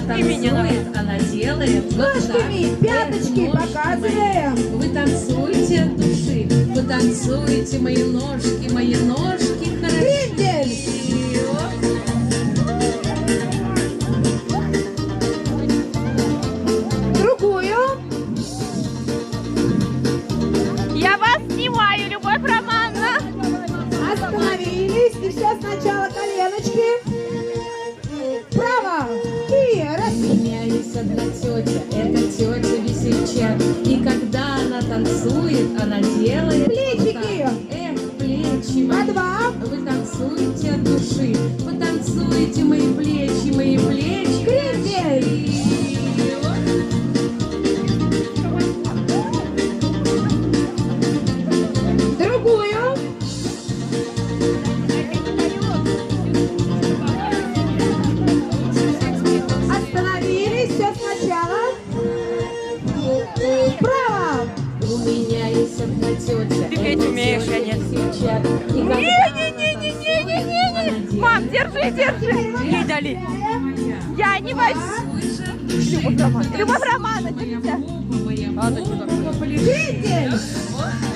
танцует, она делает. Ножками, пяточки показываем. Вы танцуете от души, вы танцуете мои ножки хорошо. Крендель. Другую. Я вас снимаю, Любовь Романовна. Остановились. И все сначала коленочки. Право. И раз. Меняюсь одна тетя, это тетя весельчак. И когда она танцует, она делает Плечики. вот так. Эх, плечи По мои. два. Вы танцуете от души, потанцуете мои плечи. Крендель. Другую. Остановились. Все сначала. Право. У меня есть одна тетя. Ты петь умеешь, я нет. Не-не-не-не-не-не-не. Мам, держи. Ей дали. Я не возьму. Любовь Романовна, держите. Крендель.